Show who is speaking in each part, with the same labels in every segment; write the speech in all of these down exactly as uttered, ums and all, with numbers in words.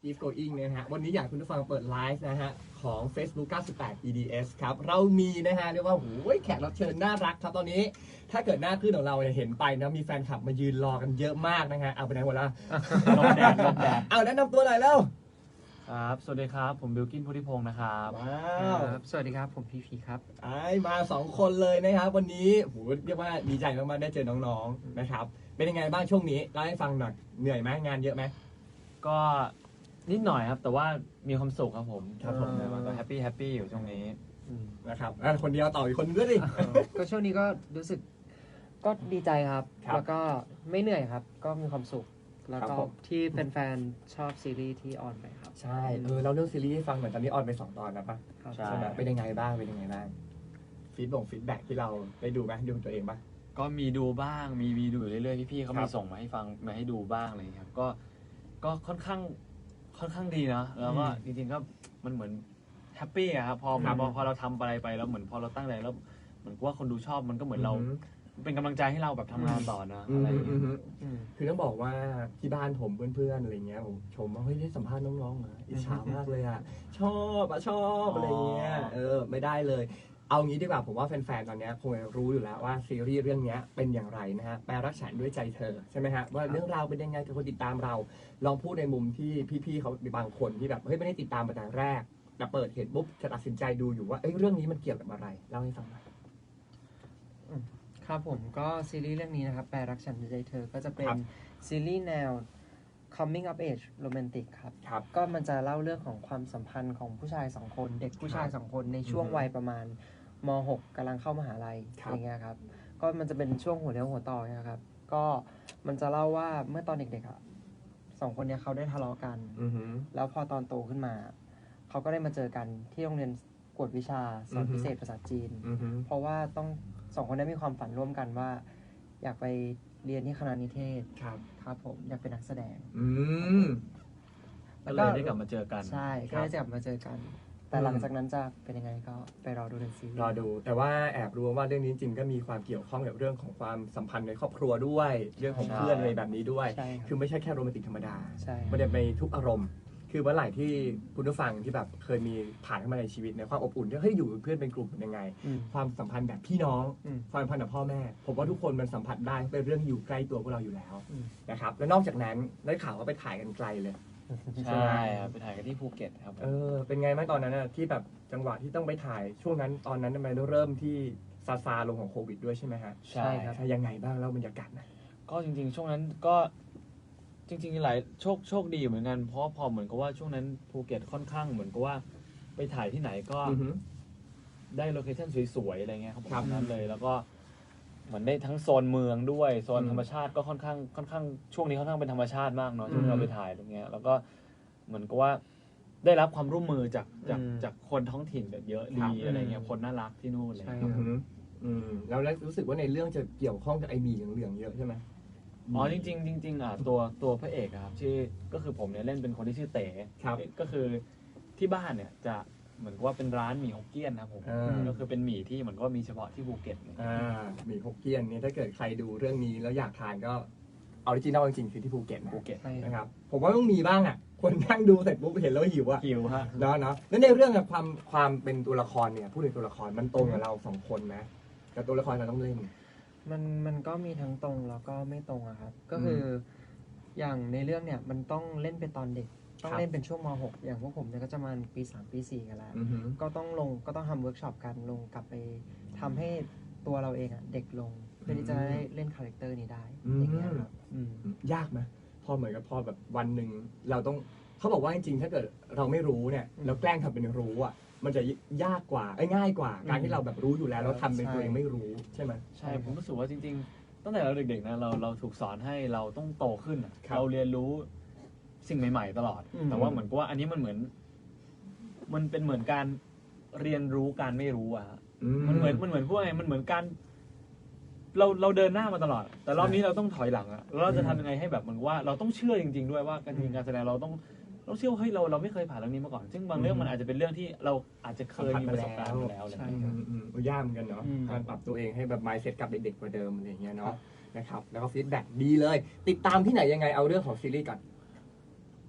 Speaker 1: Keep Going นะฮะวันนี้อยากคุณผู้ฟังเปิดไลฟ์นะฮะของ Facebook เก้าสิบแปด อี ดี เอส ครับเรามีนะฮะเรียกว่าโอ้ยแขกรับเชิญน่ารักครับตอนนี้ถ้าเกิดหน้าขึ้นของเราเนี่ยเห็นไปนะมีแฟนคลับมายืนรอกันเยอะมากนะฮะเอาไปไหนหมดละลมแดดลมแดดเอาแนะนำตัวหน่อยแล้ว
Speaker 2: ครับสวัสดีครับผมบิลกินพุทธิพงศ์นะครับ
Speaker 1: ว้าว
Speaker 3: สวัสดีครับผมพีพีครับ
Speaker 1: ไอ้มาสองคนเลยนะครับวันนี้โหเรียกว่าดีใจมากๆได้เจอน้องๆนะครับเป็นยังไงบ้างช่วงนี้เล่าให้ฟังหน่อยเหนื่อยไหมงานเยอะไหม
Speaker 2: ก็นิดหน่อยครับแต่ว่ามีความสุขครับผมครับผมก็แฮปปี้แฮปปี้อยู่ช่วงนี้
Speaker 1: นะครับคนเดียวต่ออีกคนนึงด้วยดิ
Speaker 3: ก็ช่วงนี้ก็รู้สึกก็ดีใจครับแล้วก็ไม่เหนื่อยครับก็มีความสุขแล้วก็ที่แฟนๆชอบซีรีส์ที่ออนไปครับ
Speaker 1: ใช่เออเราเรื่องซีรีส์ให้ฟังเหมือนตอนนี้ออนไปสองตอนนะปะใช่ไหมเป็นยังไงบ้างเป็นยังไงบ้างฟีดบ่งฟีดแบ็กที่เราได้ดูไหมดูตัวเองปะ
Speaker 2: ก็มีดูบ้างมีมีดูอยู่เรื่อยๆพี่ๆเขามีส่งมาให้ฟังมาให้ดูบ้างอะไรอย่างเงี้ยครับก็ก็ค่อนข้างค่อนข้างดีนะแล้วก็จริงๆก็มันเหมือนแฮปปี้อะครับพอพอพอเราทำอะไรไปแล้วเหมือนพอเราตั้งใจแล้วเหมือนว่าคนดูชอบมันก็เหมือนเราเป็นกำลังใจให้เราแบบทำงานต่อนะอะไรอย่างเงี้ย
Speaker 1: คือต้องบอกว่าที่บ้านผมเพื่อนๆอะไรเงี้ยผมชมว่าเฮ้ยได้สัมภาษณ์น้องๆนะอิจฉามากเลยอ่ะชอบอ่ะชอบอะไรเงี้ยเออไม่ได้เลยเอางี้ดีกว่าผมว่าแฟนๆตอนนี้คงรู้อยู่แล้วว่าซีรีส์เรื่องนี้เป็นอย่างไรนะฮะแปลรักฉันด้วยใจเธอใช่ไหมฮะว่าเรื่องราวเป็นยังไงกับคนติดตามเราลองพูดในมุมที่พี่ๆเขาบางคนที่แบบเฮ้ยไม่ได้ติดตามมาแต่แรกแต่เปิดเห็นปุ๊บจะตัดสินใจดูอยู่ว่าเอ้ยเรื่องนี้มันเกี่ยวกับอะไรเล่าให้ฟังหน่อย
Speaker 3: ครับผมก็ซีรีส์เรื่องนี้นะครับแปลรักฉันด้วยใจเธอก็จะเป็นซีรีส์แนว coming of age romantic ครับก็มันจะเล่าเรื่องของความสัมพันธ์ของผู้ชายสองคนเด็กผู้ชายสองคนในช่วงวัยประมาณม หก กำลังเข้ามหาลัยอย่างเงี้ยครับก็มันจะเป็นช่วงหัวเลี้ยวหัวต่อนะครับก็มันจะเล่าว่าเมื่อตอนเด็กๆอ่ะสองคนนี้เขาได้ทะเลาะกันแล้วพอตอนโตขึ้นมาเขาก็ได้มาเจอกันที่โรงเรียนกวดวิชาสอนพิเศษภาษาจีนเพราะว่าต้องสองคนได้มีความฝันร่วมกันว่าอยากไปเรียนที่คณะนิเทศ
Speaker 1: ครับ
Speaker 3: ครับผมอยากเป็นนักแสดง
Speaker 1: อืม
Speaker 2: แล้วก็ได้กลับมาเจอกัน
Speaker 3: ใช่ก็ได้กลับมาเจอกันแต่หลังจากนั้นจะเป็นยังไงก็ไปรอดูในซีรีส์
Speaker 1: รอดูแต่ว่าแอบรู้ว่าเรื่องนี้จริงก็มีความเกี่ยวข้องกับเรื่องของความสัมพันธ์ในครอบครัวด้วยเรื่องของเพื่อนอะไรแบบนี้ด้วยคือไม่ใช่แค่โรแมนติกธรรมดามันจะไปทุกอารมณ์คือเมื่อไหร่ที่คุณผู้ฟังที่แบบเคยมีผ่านเข้ามาในชีวิตในความอบอุ่นที่เฮ้ยอยู่เพื่อนเป็นกลุ่มยังไงความสัมพันธ์แบบพี่น้องความสัมพันธ์กับพ่อแม่ผมว่าทุกคนมันสัมผัสได้เป็นเรื่องอยู่ใกล้ตัวพวกเราอยู่แล้วนะครับและนอกจากนั้นได้ข่าวว่าไปถ่ายกันไกลเลย
Speaker 2: ใช่ครับไปถ่ายกันที่ภูเก็ตครับ
Speaker 1: เออเป็นไงบ้างตอนนั้นนะที่แบบจังหวะที่ต้องไปถ่ายช่วงนั้นตอนนั้นมันเริ่มที่ซาซาลงของโควิดด้วยใช่ไหมฮะ
Speaker 2: ใช่ครับ
Speaker 1: ยังไงบ้างแล้วบรรยากาศนะ
Speaker 2: ก็จริงๆช่วงนั้นก็จริงๆหลายโชคโชคดีเหมือนกันเพราะพอเหมือนกับว่าช่วงนั้นภูเก็ตค่อนข้างเหมือนกับว่าไปถ่ายที่ไหนก็ได้โลเคชั่นสวยๆอะไรเงี้ยครับผมนั้นเลยแล้วก็เหมือนได้ทั้งโซนเมืองด้วยโซนธรรมชาติก็ค่อนข้างค่อนข้างช่วงนี้ค่อนข้างเป็นธรรมชาติมากเนาะช่วงเราไปถ่ายตรงเนี้ยแล้วก็เหมือนกับว่าได้รับความร่วมมือจากจากจากคนท้องถิ่นแบบเยอะดีอะไรเงี้ยคนน่ารักที่นู่นเลยครับ
Speaker 1: แล้วรู้สึกว่าในเรื่องจะเกี่ยวข้องกับไอหมี่เหลืองๆเยอะใช่ไหม
Speaker 2: อ๋อจริงๆจริงๆอ่ะตัวตัวพระเอกครับที่ก็คือผมเนี่ยเล่นเป็นคนที่ชื่อเต๋ก็คือที่บ้านเนี่ยจะเหมือนว่าเป็นร้านหมี่ฮกเกี้ยนครับผมก็คือเป็นหมี่ที่เหมือนว่ามีเฉพาะที่ภูเก็ต
Speaker 1: อ่าหมี่ฮกเกี้ยนนี่ถ้าเกิดใครดูเรื่องนี้แล้วอยากทานก็ออริจินัลจริงๆคือที่ภูเก็ต
Speaker 2: ภูเก็ต
Speaker 1: นะครับผมว่าต้องมีบ้างอ่ะคนนั่งดูเสร็จปุ๊บเห็นแล้วหิวอ่ะ
Speaker 2: หิวฮะ
Speaker 1: เนาะเนาะแล้วในเรื่องกับความความเป็นตัวละครเนี่ยพูดถึงตัวละครมันตรงกับเราสองคนนะกับตัวละครเราต้องเล่น
Speaker 3: มันมันก็มีทั้งตรงแล้วก็ไม่ตรงอะครับก็คืออย่างในเรื่องเนี่ยมันต้องเล่นเป็นตอนเด็กต้องเล่นเป็นช่วงม หกอย่างพวกผมเนี่ยก็จะมาปีสามปีสี่กันแล้วก็ต้องลงก็ต้องทำเวิร์กช็อปกันลงกลับไปทำให้ตัวเราเองอะเด็กลงเพื่อที่จะได้เล่นคาแรคเตอร์นี้ได้อย่างเงี้ยครับ
Speaker 1: ยากไหมพอเหมือนกับพอแบบวันหนึ่งเราต้องเขาบอกว่าจริงๆถ้าเกิดเราไม่รู้เนี่ยเราแกล้งทำเป็นรู้อะมันจะยากกว่าง่ายกว่าการที่เราแบบรู้อยู่แล้วเราทำเป็นตัวเองไม่รู้ใช่ไหม
Speaker 2: ใช่ผมรู้สึกว่าจริงๆตั้งแต่เราเด็กๆนะเราเราถูกสอนให้เราต้องโตขึ้นเราเรียนรู้สิ่งใหม่ๆตลอดแต่ว่าเหมือนกับว่าอันนี้มันเหมือนมันเป็นเหมือนการเรียนรู้การไม่รู้อะมันเหมือนมันเหมือนพวกไงมันเหมือนการเราเราเดินหน้ามาตลอดแต่รอบนี้เราต้องถอยหลังอะแล้วเราจะทำยังไงให้แบบเหมือนว่าเราต้องเชื่อจริงๆด้วยว่าการจริงการแสดงเราต้องเราเชื่อว่าเฮ้ยเราเราไม่เคยผ่านเรื่องนี้มาก่อนซึ่งบางเรื่องมันอาจจะเป็นเรื่องที่เราอาจจะเคยมีประสบการณ์มาแล้วอะไรอย่างเงี้ย
Speaker 1: ยากเหมือนกันเนาะการปรับตัวเองให้แบบ mindset กับเด็กๆกว่าเดิมอะไรอย่างเงี้ยเนาะนะครับแล้วก็ฟีดแบ็กดีเลยติดตามที่ไหนยังไงเอาเรื่องของซีรีส์ก่อน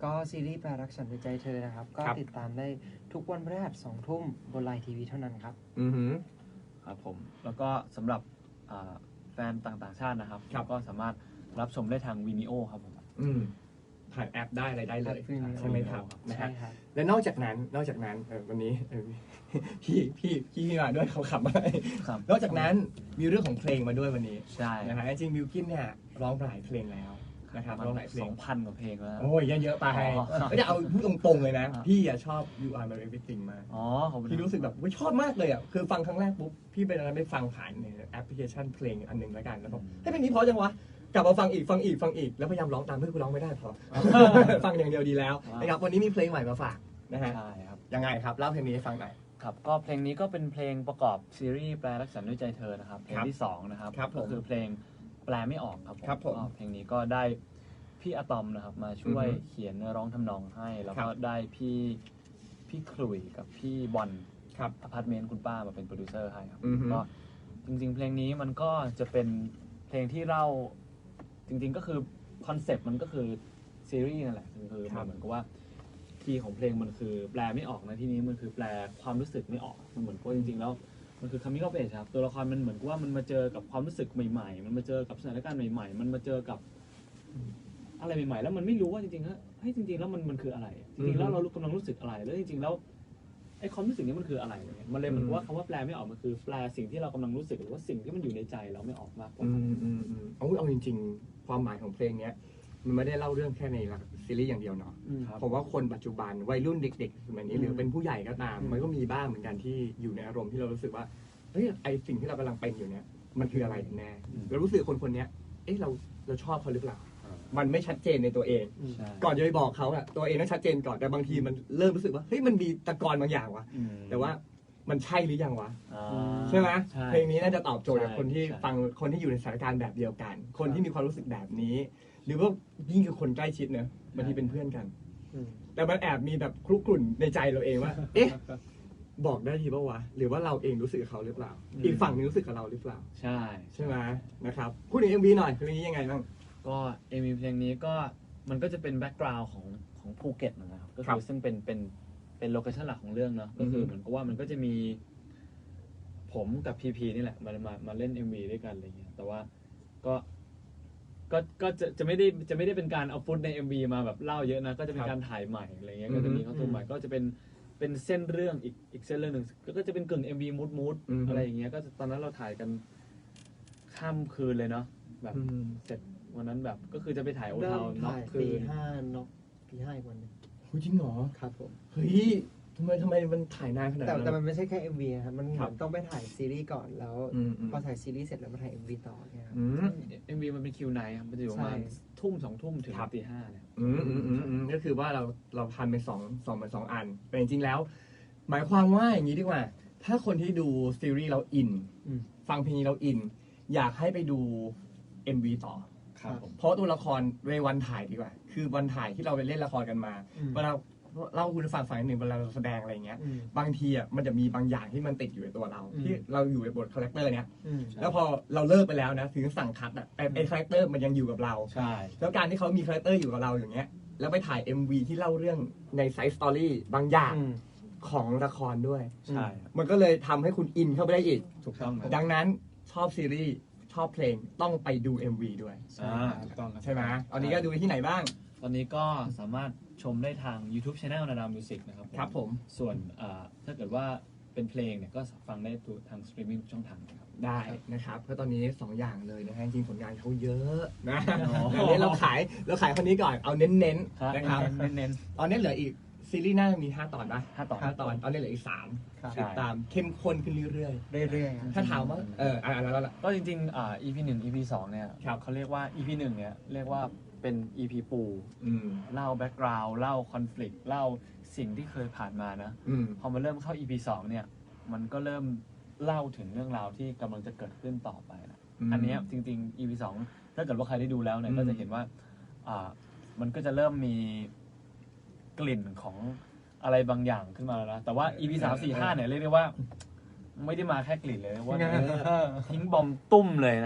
Speaker 3: ก็ซีรีส์แปลรักฉันด้วยใจเธอนะครับ ก็
Speaker 1: ครับ
Speaker 3: ติดตามได้ทุกวันพฤหัสสองทุ่มบนไลน์ทีวีเท่านั้นครับ
Speaker 1: อือหือ
Speaker 2: ครับผมแล้วก็สำหรับอ่าแฟนต่างๆชาตินะครับ
Speaker 1: ครับ
Speaker 2: ก็สามารถรับชมได้ทางวินิโอครับผม
Speaker 1: อืมผ่านแอปได้อะไรได้เลย
Speaker 3: แอป Vimeo
Speaker 1: ใช่ไหมครับนะ
Speaker 3: ใช่
Speaker 1: ฮะ
Speaker 3: ครับ
Speaker 1: และนอกจากนั้นนอกจากนั้นเออวันนี้เออ พี่พี่พี่มาด้วยเขาขับมา
Speaker 2: ครับ
Speaker 1: นอกจากนั้นมีเรื่องของเพลงมาด้วยวันนี้
Speaker 2: ใช่
Speaker 1: นะฮะจริงๆบิวกินเนี่ยร้องหลายเพลงแล้วนะครับร้องหลายเพล
Speaker 2: สอง งพันกว่าเพลงแล้ว
Speaker 1: โอ้ยเยอะๆไป
Speaker 2: อ๋อ
Speaker 1: ไม่ได้เอาพูดตรงๆเลยนะ
Speaker 2: อ่า
Speaker 1: พี่อะชอบ You Are My Everything มาก
Speaker 2: อ๋อขอบคุณ
Speaker 1: พี่รู้สึกแบบอุ๊ยชอบมากเลยอ่ะคือฟังครั้งแรกปุ๊บพี่ไปตอนนั้นไปฟังผ่านในแอปพลิเคชันเพลงอันหนึ่งแล้วกันแล้วบอกเฮ้ยเพลงนี้เพราะจังวะกลับมาฟังอีกฟังอีกฟังอีกแล้วพยายามร้องตามเพื่อกูร้องไม่ได้พอ ฟังอย่างเดียวดีแล้วนะครับวันนี้มีเพลงใหม่มาฝากนะฮะ
Speaker 2: ใช่ครับ
Speaker 1: ยังไงครับเล่าเพลงนี้ให้ฟังหน่อย
Speaker 2: ครับก็เพลงนี้ก็เป็นเพลงประกอบซีรีส์แปลรักฉันด้วยใจเธอนะครับเพลงที่สองนะครับ
Speaker 1: ครับผม
Speaker 2: ก็คือเพลงแปลไม่ออกครับผม
Speaker 1: ครับผม
Speaker 2: ก็เพลงนี้ก็ได้พี่อะตอมนะครับมาช่วย
Speaker 1: อือฮึ
Speaker 2: เขียนเนื้อร้องทำนองให้ แล้ว
Speaker 1: ครั
Speaker 2: ก็
Speaker 1: บ
Speaker 2: ได้พี่พี่ขลุ่ยกับพี่บอล
Speaker 1: ครับ
Speaker 2: อพาร์ตเมนต์คุณป้ามาเป็นโปรดิวเซอร์ให้ครับ
Speaker 1: อือฮึ
Speaker 2: ก็จริงๆ เพลงนี้มันก็จะเป็นเพลงที่เล่าจริงๆก็คือคอนเซปต์มันก็คือซีรีส์นั่นแหละคือมันเหมือนกับว่าคีย์ของเพลงมันคือแปลไม่ออกนะที่นี้มันคือแปลความรู้สึกไม่ออกมันเหมือนกับจริงๆแล้วมันคือ coming of age ครับตัวละครมันเหมือนกับว่ามันมาเจอกับความรู้สึกใหม่ๆ มันมาเจอกับสถานการณ์ใหม่ๆ มันมาเจอกับอะไรใหม่ๆ แล้วมันไม่รู้ว่าจริงๆแล้วเฮ้ยจริงๆแล้วมันมันคืออะไรจริงๆแล้วเรากำลังรู้สึกอะไรแล้วจริงๆแล้วไอ้ความรู้สึกนี้มันคืออะไรเนี่ยมันเลยเหมือนกับว่าคำว่าแปลไม่ออกมันคือแปลสิ่งที่เรากำลังรู้สึกหรือว่าสิ่งที่มันอยู่ในใจเราไม่ออกมากกว่า
Speaker 1: อืมอืมอืมเอาเอาจริงๆ ความหมายของเพลงเนี้ยมันไม่ได้เล่าเรื่องแค่ในซีรีส์อย่างเดียวเนาะ
Speaker 2: ครับ
Speaker 1: ผมว่าคนปัจจุบันวัยรุ่นเด็กๆสมัยนี้
Speaker 3: อืม
Speaker 1: หรือเป็นผู้ใหญ่ก็ตาม
Speaker 3: อืม
Speaker 1: มันก็มีบ้างเหมือนกันที่อยู่ในอารมณ์ที่เรารู้สึกว่าเฮ้ยไอสิ่งที่เรากำลังเป็นอยู่เนี้ยมันคืออะไรกันแน่
Speaker 2: อืม
Speaker 1: เรารู้สึกคนคนเนี้ยเอ๊ะเราเราชอบเขาหรือเปล่า มันไม่ชัดเจนในตัวเอง
Speaker 2: ใช่
Speaker 1: ก่อนจะไปบอกเขาอะตัวเองต้องชัดเจนก่อนแต่บางทีมันเริ่มรู้สึกว่าเฮ้ยมันมีตะกอนบางอย่างวะ
Speaker 2: อืม
Speaker 1: แต่ว่ามันใช่หรือยังวะ
Speaker 2: อ่า
Speaker 1: ใช่ไหม
Speaker 2: ใช่
Speaker 1: เพลงนี้น่าจะตอบโจทย์กับ
Speaker 2: ใช่
Speaker 1: คนที่
Speaker 2: ใช่
Speaker 1: ฟังคนที่อยู่ในสถานการณ์แบบเดียวกัน คนที่มีความรู้สึกแบบนี้ หรือว่ายิ่งคือคนใกล้ชิดเนอะบางทีเป็นเพื่อนกัน
Speaker 3: อืม
Speaker 1: แต่มันแอบมีแบบคลุกกลุ่นในใจเราเองว่า เอ๊ะ บอกได้ทีป่าวะ หรือว่าเราเองรู้สึกกับเขาหรือเปล่า
Speaker 2: อืม
Speaker 1: อีกฝั่งหนึงรู้สึกกับเราหรือเปล่า
Speaker 2: ใช่
Speaker 1: ใช่ไหมนะครับ พูดถึง เอ็ม วี หน่อยเพลงนี้ยังไงบ้าง
Speaker 2: ก็เอ็มวีเพลงนี้ก็มันก็จะเป็นแบ็กกราวน์ของของภูเก็ตนะครับก็
Speaker 1: ครั
Speaker 2: คือบ ซึ่งเป็นเป็นเป็นโลเคชั่นหลักของเรื่องเนาะก็คือ
Speaker 1: อฮึ
Speaker 2: เหมือนกับว่ามันก็จะมีผมกับพีพีนี่แหละมามามาเล่น เอ็ม วี ด้วยกันอะไรเงี้ยแต่ว่าก็ก็ก็จะจะไม่ได้จะไม่ได้เป็นการเอาฟุตใน เอ็ม วี มาแบบเล่าเยอะนะก็จะเป็นการถ่ายใหม่อะไรเงี้ยก็จะมี
Speaker 1: อือฮึ
Speaker 2: คอนตูมใหม่ก็จะเป็นเป็นเส้นเรื่องอีกอีกเส้นเรื่องหนึ่งก็จะเป็นกึ่ง เอ็ม วี มูดมูด
Speaker 1: อือฮึ
Speaker 2: อะไรอย่างเงี้ยก็ตอนนั้นเราถ่ายกันข้ามคืนเลยเนาะแบบ
Speaker 1: อืม
Speaker 2: เสร็จวันนั้นแบบก็คือจะไปถ่ายโอ
Speaker 3: เริ่
Speaker 2: ทาม น็อก
Speaker 3: ถ่าย
Speaker 2: คื
Speaker 3: ตี
Speaker 2: น
Speaker 3: ห้านกตีห้าอีกวันหนึง
Speaker 1: โหจริงเหรอ
Speaker 3: ครับผม
Speaker 1: เฮ้ยทำไมทำไมมันถ่ายนานขนาด
Speaker 3: แต่
Speaker 1: นั้น
Speaker 3: แต่มันไม่ใช่แค่ เอ็ม วี นะครับมันเห
Speaker 1: ครั
Speaker 3: มือบ นต้องไปถ่ายซีรีส์ก่อนแล้ว
Speaker 1: อืมอืม
Speaker 3: พอถ่ายซีรีส์เสร็จแล้วมาถ่าย เอ็ม วี ต่อเนี่ยครับ
Speaker 1: อืม
Speaker 2: เอ็มวีมันเป็นคิวไนท์ครับมันจะอยู่ประมาณ
Speaker 3: ใช่
Speaker 2: ทุ่มสองทุ่มถึง
Speaker 1: ครับ
Speaker 2: ตีห้าเนี่ย
Speaker 1: อืมอืมอืมอืมก็คือว่าเราเราพันเป็นสองสองเป็นสองอัน แต่จริงๆแล้ว หมายความว่าอย่างนี้ดีกว่า ถ้าคนที่ดูซีรีส์เราอิน
Speaker 3: อืม
Speaker 1: ฟังเพลงนี้เราอิน อยากให้ไปดู เอ็ม วี ต่อ
Speaker 2: ครับผม
Speaker 1: เพราะตัวละครเววันถ่ายดีกว่า คือวันถ่ายที่เราไปเล่นละครกันมา
Speaker 3: อืม
Speaker 1: เวลาเล่าให้คุณฟังฟังนิดหนึ่งเวลาเราแสดงอะไรอย่างเงี้ย
Speaker 3: อืม
Speaker 1: บางทีอ่ะมันจะมีบางอย่างที่มันติดอยู่ในตัวเรา
Speaker 3: อืม
Speaker 1: ที่เราอยู่ในบทคาแรคเตอร์เนี้ย
Speaker 3: อืม
Speaker 1: แล้วพอเราเลิกไปแล้วนะถึงสั่งคัดอ่ะแต่ไอ้คาแรคเตอร์มันยังอยู่กับเรา
Speaker 2: ใช่
Speaker 1: แล้วการที่เขามีคาแรคเตอร์อยู่กับเราอย่างเงี้ย แล้วไปถ่าย เอ็ม วี ที่เล่าเรื่องในไซส์สตอรี่บางอย่าง
Speaker 3: อืม
Speaker 1: ของละครด้วย
Speaker 2: ใช่ครับ
Speaker 1: มันก็เลยทำให้คุณอินเข้าไปได้อีก
Speaker 2: ถูกต้องครับ
Speaker 1: ดังนั้นชอบซีรีส์ชอบเพลงต้องไปดู เอ็ม วี ด้วย
Speaker 2: อ่าถูกต้องครับ
Speaker 1: ใช่ไหมตอนนี้ก็ดูที่ไหนบ้าง
Speaker 2: ตอนนี้ก็สามารถชมได้ทาง YouTube Channel นาดามิวสิกนะครับ
Speaker 1: ครับผม
Speaker 2: ส่วนอ่าถ้าเกิดว่าเป็นเพลงเนี่ยก็ฟังได้ทางสตรีมมิ่งช่องทางนะครับ
Speaker 1: ได้นะครับเพราะตอนนี้สองอย่างเลยนะฮะจริงๆผลงานเขาเยอะนะ
Speaker 2: อ๋อ
Speaker 1: อันนี้เราขายเราขายคนนี้ก่อนเอาเน้นๆนะครับ
Speaker 2: เน้น
Speaker 1: ตอนนี้เหลืออีกซีรีส์หน้ามีห้าตอนป่ะ
Speaker 2: ๆห้าต่อ
Speaker 1: ห้าตอนตอนนี้เหลืออีกสาม
Speaker 3: ครับ
Speaker 1: ติดตามเข้มข้นขึ้นเรื่อย
Speaker 3: เรื่อยๆครับ
Speaker 1: ๆ ถ้าถามว่าเอออ่าแล้วแล้ว
Speaker 2: ก็จริงๆอ่า อี พี หนึ่ง อี พี สองเนี่ย
Speaker 1: ครับ
Speaker 2: เขาเรียกว่า อี พี หนึ่งเนี่ยเรียกว่าเป็น อี พี ปู
Speaker 1: อืม
Speaker 2: เล่าแบ็กกราวด์เล่าคอน FLICT เล่าสิ่งที่เคยผ่านมานะ
Speaker 1: อืม
Speaker 2: พอมาเริ่มเข้า อี พี สองเนี่ยมันก็เริ่มเล่าถึงเรื่องราวที่กำลังจะเกิดขึ้นต่อไปนะ
Speaker 1: อืม
Speaker 2: อันเนี้ยจริงๆ อี พี สองถ้าเกิดว่าใครได้ดูแล้วเนี่ย
Speaker 1: อืม
Speaker 2: ก็จะเห็นว่าอ่ามันก็จะเริ่มมีกลิ่นของอะไรบางอย่างขึ้นมาแล้วนะ แต่ว่า อี พี สาม สี่ ห้าเนี่ยเรียกได้ว่า ไม่ได้มาแค่กลิ่นเลยว่าทิ้งบอมตุ้มเลยนะฮะ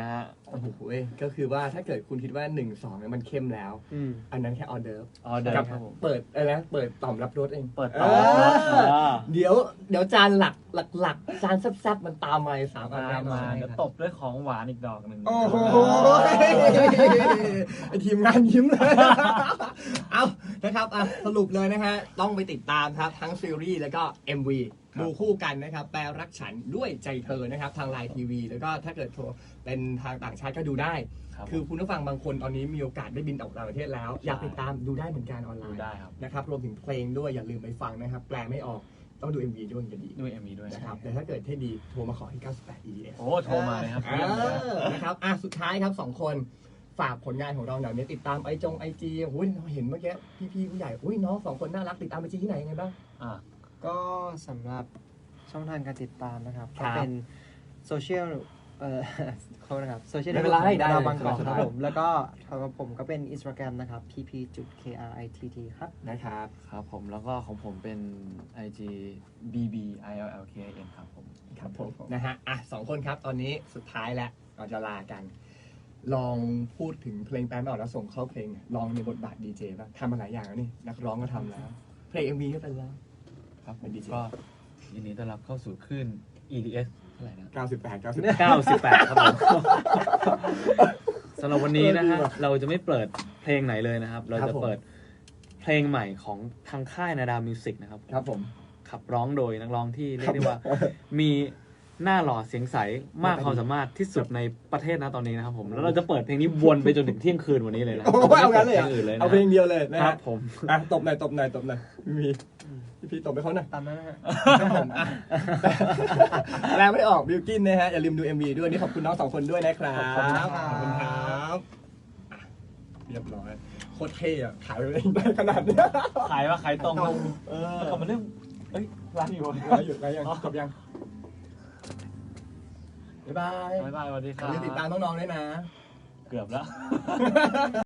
Speaker 1: โอ้โหเว้ยก็คือว่าถ้าเกิดคุณคิดว่าหนึ่งสองเนี่ยมันเข้มแล้ว
Speaker 3: อืม
Speaker 1: อันนั้นแค่ออเดิร์ฟ
Speaker 2: ออเดอร์
Speaker 1: กับ
Speaker 2: ครับผม
Speaker 1: เปิดอะไรนะเปิดต่อมรับรสเอง
Speaker 2: เปิดต่อ
Speaker 1: เออ
Speaker 2: อ่า
Speaker 1: เดี๋ยวเดี๋ยวจานหลักหลักหลักจานแซ่บๆมันตามมาอีกสามอัน
Speaker 2: ตา
Speaker 1: แน่
Speaker 2: ม
Speaker 1: นอ
Speaker 2: มาน เดี๋ยวตบด้วยของหวานอีกดอกหนึ่ง
Speaker 1: โอ้โหไอทีมงานยิ้มเลย เอานะครับอ่ะสรุปเลยนะฮะต้องไปติดตามครับทั้งซีรีส์แล้วก็ เอ็ม วี ดูคู่กันนะครับแปลรักฉันด้วยใจเธอนะครับทางไลน์ทีวีแล้วก็ถ้าเกิดโทรเป็นทางต่างชาติก็ดูได้
Speaker 2: ครับ
Speaker 1: คือคุณผู้ฟังบางคนตอนนี้มีโอกาสได้บินออกต่างประเทศแล้ว อยากติดตามดูได้เหมือนกันออนไล
Speaker 2: ดู
Speaker 1: น์
Speaker 2: ได้ครับ
Speaker 1: นะครับรวมถึงเพลงด้วยอย่าลืมไปฟังนะครับ แปลไม่ออกต้องดู เอ็ม วี ด้วยจะดี
Speaker 2: ด้วย เอ็ม วี ด้วย
Speaker 1: นะครับแต่ถ้าเกิดให้ดีโทรมาขอที่เก้าสิบแปด อี เอส
Speaker 2: โอ้โทรมาเลยครับ
Speaker 1: เออนะครับอ่ะสุดท้ายครับสองคนฝากผลงานของเราหน่อยเนี่ยติดตามไอจงไอจีโอ้ยเห็นเมื่อกี้พี่ๆผู้ใหญ่อุ้ยน้องสองคนน่ารักติดตามไอจีที่ไหนยังไงบ้าง
Speaker 2: อ่า
Speaker 3: ก็สำหรับช่องทางการติดตามนะครับ
Speaker 1: ครั
Speaker 3: ก็
Speaker 1: บ
Speaker 3: เป็นโซเชียลเอ่อ เขานะครับโซเชียล
Speaker 1: ไม่เป็นไรได้
Speaker 3: เรา
Speaker 1: เลย
Speaker 3: บางกอก
Speaker 1: ส
Speaker 3: ครับ
Speaker 1: ายๆ
Speaker 3: ผมแล้วก็ของผมก็เป็น Instagram นะครับ พี พี จุด เค อาร์ ไอ ที ที ครับ
Speaker 1: นะครับ
Speaker 2: ครับผมแล้วก็ของผมเป็น ไอ จี บี บี ไอ แอล แอล เค ไอ เอ็น ครับผม
Speaker 1: ครับผมนะฮะอ่ะสองคนครับตอนนี้สุดท้ายแล้วเราจะลากัน ลองพูดถึงเพลงแปลไม่ออกแล้วส่งเข้าเพลง ลองในบทบาทดีเจบ้างทำมาหลายอย่างแล้วนี่นักร้องก็ทำแล้ว เพลง เอ็ม วี ก็เป็นแล้ว
Speaker 2: ครับผ
Speaker 1: เป็
Speaker 2: ม
Speaker 1: น DJ
Speaker 2: ก็ยินดีต้อนรับเข้าสู่คลื่น อี ดี เอส เท่าไหร่นะ
Speaker 1: เก้าสิบแปด เก้าสิบ
Speaker 2: เก้าสิบแปดครับผม สำหรับวันนี้นะฮะ
Speaker 1: เออดีว่ะ
Speaker 2: เราจะไม่เปิดเพลงไหนเลยนะครับ เรา
Speaker 1: ครั
Speaker 2: จะ
Speaker 1: บผม
Speaker 2: เปิดเพลงใหม่ของทางค่ายนาดาวมิวสิกนะครับ
Speaker 1: ครับผม
Speaker 2: ขับร้องโดยนักร้องที่เรียกได้ว่า มีหน้าหล่อเสียงใสมากความสามารถที่สุดในประเทศนะตอนนี้นะครับผม แล้วเราจะเปิดเพลงนี้วนไปจนถึงเที่ยงคืนวันนี้เลยนะ
Speaker 1: โอ้ยเอางั้นเลยเหรอ
Speaker 2: พงอื่นเลยนะ
Speaker 1: เอาเพลงเดียวเลยนะ
Speaker 2: ครั
Speaker 1: ฮะ
Speaker 2: บผม
Speaker 1: อ่ะตบหน่อยตบหน่อยตบหน่อยมีพี่พี่ตบไปเขาหน่อย
Speaker 3: ตามนั้นนะฮะ
Speaker 1: ครับผมอ่ะแปลไม่ออกบิวกินนะฮะ อย่าลืมดู เอ็ม วี ด้วยนี่ขอบคุณน้องสองคนด้วยนะครับ
Speaker 3: ขอบคุณครับ
Speaker 1: ขอบคุณครับอ่ะเรียบร้อยโคตรเท่อะขายไปได้ขนาดเนี้ย
Speaker 2: ขายว่าขายตรง
Speaker 1: เออ
Speaker 2: แล้วก็มาเรื่องเอ้ยร้านอยู่
Speaker 1: ไลฟ์อยู่ไลฟ์ยังจบยังบ๊ายบาย
Speaker 2: บ๊ายบายสวัสดี
Speaker 1: อ
Speaker 2: ครั
Speaker 1: ย่าลืมติดตาม
Speaker 2: บ
Speaker 1: น้องๆด้วยนะ
Speaker 2: เกือบแล้ว